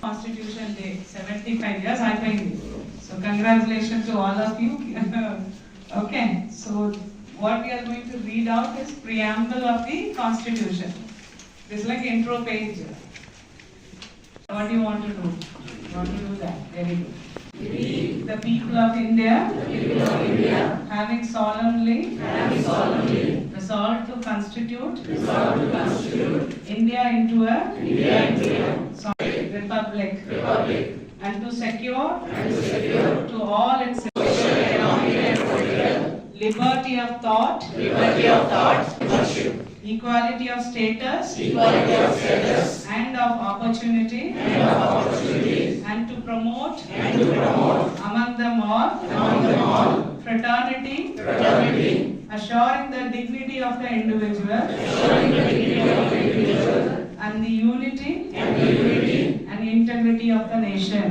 Constitution Day, 75 years అయిపోయింది. So congratulations to all of you. Okay, so what we are going to read out is preamble of the Constitution. This is like intro page. What do you want to do? You want to do that? Very good. The people of India, having solemnly resolved to constitute India into a republic, and to secure to all its liberty of thought, equality of status, and of opportunity, and to promote among them all fraternity, assuring the dignity of the individual and the unity and integrity of the nation.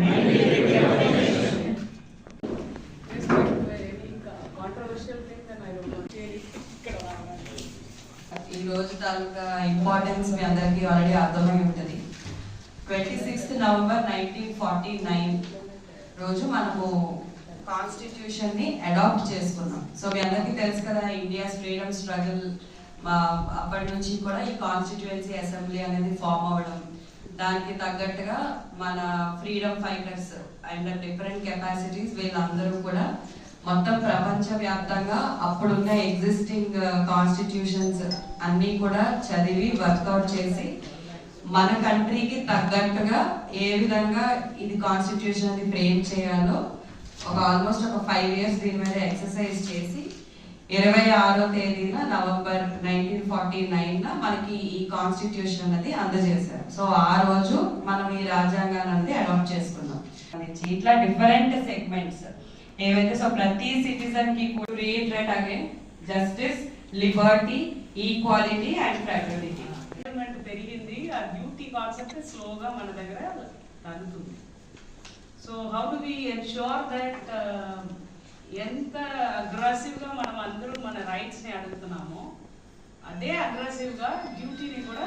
ఈ రోజు తాలూకా importance మీ అందరికీ already అర్థమై ఉంటుంది. 26 November 1949 రోజు మనము constitution ని adapt చేసుకున్నాం. So మీ అందరికీ తెలుసు కదా, ఇండియాస్ ఫ్రీడమ్ స్ట్రగుల్ అప్పటి నుంచి కూడా ఈ కాన్స్టిట్యుయెన్సీ అసెంబ్లీ అనేది ఫామ్ అవ్వడం, దానికి తగ్గట్టుగా మన freedom fighters and different capacities వీళ్ళందరూ కూడా మొత్తం ప్రపంచవ్యాప్తంగా అప్పుడున్న ఎగ్జిస్టింగ్ కాన్స్టిట్యూషన్స్ అన్నీ కూడా చదివి వర్కౌట్ చేసి మన కంట్రీకి తగ్గట్టుగా ఏ విధంగా ఇది కాన్స్టిట్యూషన్ అది ఫ్రేమ్ చేయాలో ఆల్మోస్ట్ ఒక 5 years దీని మీద ఎక్సర్సైజ్ చేసి 26వ తేదీన నవంబర్ 1949 మనకి ఈ కాన్స్టిట్యూషన్ అనేది అందజేశారు. సో ఆ రోజు మనం ఈ రాజ్యాంగాన్ని అనేది అడాప్ట్ చేసుకున్నాం. ఇట్లా డిఫరెంట్ సెగ్మెంట్స్ ఏవైతే, సో ప్రతి సిటిజన్ కి reiterate again justice, liberty, equality and fraternity. పెరిగింది, ఆ డ్యూటీ కాన్సెప్ట్ స్లోగా మన దగ్గర తగ్గుతుంది. So how do we ensure that ఎంత అగ్రెసివ్గా మనం అందరూ మన రైట్స్ని అడుగుతున్నామో అదే అగ్రెసివ్గా డ్యూటీని కూడా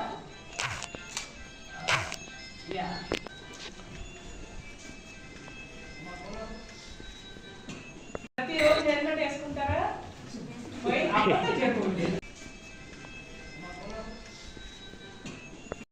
ప్రతిరోజు హెల్మెట్ వేసుకుంటారా? పోయి అప్పుడు